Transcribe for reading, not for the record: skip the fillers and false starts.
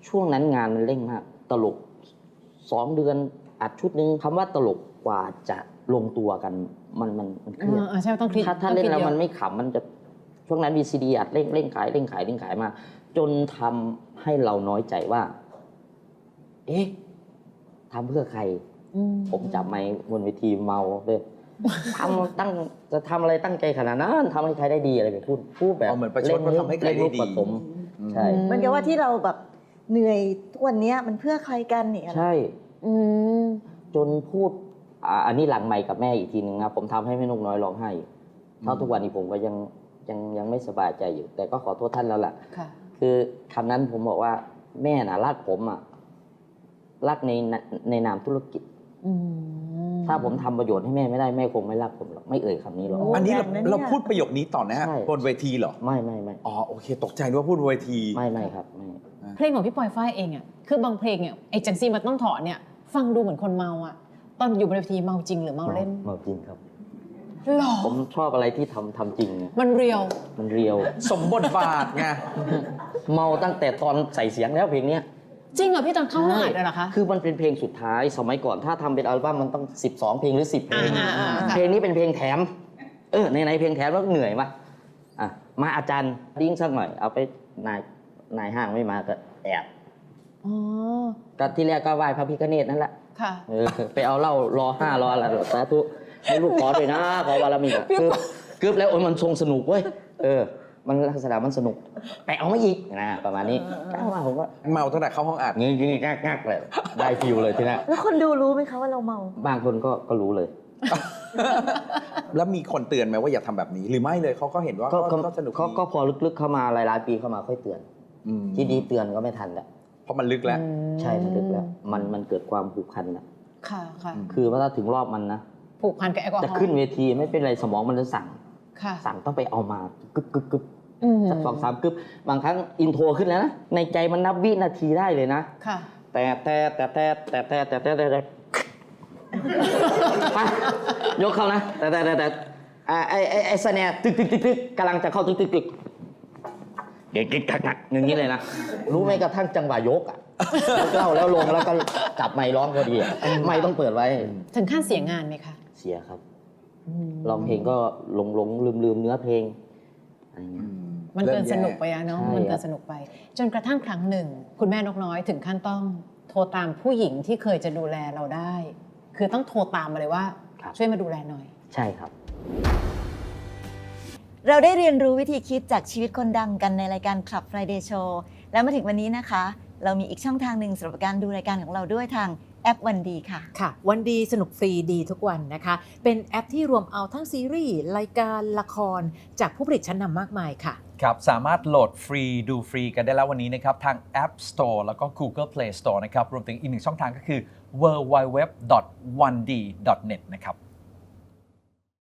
ช่วงนั้นงานมันเร่งมากตลก2 เดือนอัดชุดนึงคำว่าตลกกว่าจะลงตัวกันมันเครียดใช่ต้องคิดถ้าเล่นแล้วมันไม่ขำมันจะช่วงนั้น VCD อัดเร่งขายมาจนทำให้เราน้อยใจว่าเอ๊ะทำเพื่อใครผมจับไมค์บนเวทีเมาเลยจะทำอะไรตั้งใจขนาดนั้นทำให้ใครได้ดีอะไรแบบพูดแบบเหมือนประชดว่าทำให้ใครได้ดีใช่เหมือนกับว่าที่เราแบบเหนื่อยทุกวันนี้มันเพื่อใครกันเนี่ยใช่จนพูดอันนี้หลังไมค์กับแม่อีกทีนึงนะผมทำให้แม่นกน้อยร้องไห้เท่าทุกวันนี้ผมก็ยังไม่สบายใจอยู่แต่ก็ขอโทษท่านแล้วล่ะคือคำนั้นผมบอกว่าแม่น่ะรักผมอ่ะรักในนามธุรกิจถ้าผมทำประโยชน์ให้แม่ไม่ได้แม่คงไม่รักผมหรอกไม่เอ่ยคำนี้หรอกอันนี้เราพูดประโยคนี้ต่อนะฮะบนเวทีเหรอไม่อ๋อโอเคตกใจว่าพูดบนเวทีไม่ครับไม่เพลงของพี่ปอยฝ้ายเองอ่ะคือบางเพลงเนี่ยไอ้จังซีมันต้องถอนเนี่ยฟังดูเหมือนคนเมาอ่ะตอนอยู่บนเวทีเมาจริงหรือเมาเล่นเมาจริงครับหรอผมชอบอะไรที่ทำจริงมันเรียวสมบทบาทไงเมาตั้งแต่ตอนใส่เสียงแล้วเพลงเนี้ยจริงเหรอพี่ตอนเข้าห้องอัดเลยเหรอคะคือมันเป็นเพลงสุดท้ายสมัยก่อนถ้าทำเป็นอัลบั้มมันต้อง12 เพลงหรือ10 เพลงเพลงนี้เป็นเพลงแถมในเพลงแถมแล้วเหนื่อยมากมาอาจารย์ดิ้งสักหน่อยเอาไปนายห้างไม่มาก็แอบก็ที่แรกก็ไหว้พระพิฆเนศนั่นแหละไปเอาเหล้ารอ5รออะไรสาธุให้ลูกขอด้วยนะขอบารมีกึบแล้วมันทรงสนุกเว้ยมันลักษณะมันสนุกไปเอามาอีกนะประมาณนี้ว่าผมว่าเมาตั้งแต่เข้าห้องอัดงี้งักเลยได้ฟิลเลยทีนี้แล้วคนดูรู้ไหมคะว่าเราเมาบางคนก็รู้เลยแล้วมีคนเตือนไหมว่าอย่าทำแบบนี้หรือไม่เลยเขาก็เห็นว่าก็สนุกก็พอลึกๆเข้ามาหลายๆปีเข้ามาค่อยเตือนที่ดีเตือนก็ไม่ทันแล้วเพราะมันลึกแล้วใช่มันลึกแล้วมันเกิดความผูกพันแล้วค่ะคือว่าถ้าถึงรอบมันนะผูกพันกับแอลกอฮอล์จะขึ้นเวทีไม่เป็นไรสมองมันจะสั่งต้องไปเอามากึบสัก2-3 กึบบางครั้งอินโทรขึ้นแล้วนะในใจมันนับวินาทีได้เลยนะแต่ยกเข้านะแต่ไอ้สแนร์ตึกกำลังจะเข้าตึกเก๊กอย่างนี้เลยนะรู้ไหมกระทั่งจังหวะยกเล่าแล้วลงแล้วก็จับไมค์ร้องพอดีไมค์ต้องเปิดไว้ถึงขั้นเสียงานไหมคะเสียครับร้องเพลงก็หลงลืมเนื้อเพลงอะไรเงี้ยมันเกินสนุกไปเนาะมันเกินสนุกไปจนกระทั่งครั้งหนึ่งคุณแม่นกน้อยถึงขั้นต้องโทรตามผู้หญิงที่เคยจะดูแลเราได้คือต้องโทรตามมาเลยว่าช่วยมาดูแลหน่อยใช่ครับเราได้เรียนรู้วิธีคิดจากชีวิตคนดังกันในรายการ Club Friday Show และมาถึงวันนี้นะคะเรามีอีกช่องทางหนึ่งสำหรับการดูรายการของเราด้วยทางแอปวันดีค่ะวันดีสนุกฟรีดีทุกวันนะคะเป็นแอปที่รวมเอาทั้งซีรีส์รายการละครจากผู้ผลิตชั้นนำมากมายค่ะครับสามารถโหลดฟรีดูฟรีกันได้แล้ววันนี้นะครับทาง App Store แล้วก็ Google Play Store นะครับรวมถึงอีกหนึ่งช่องทางก็คือ www.1d.net นะครับ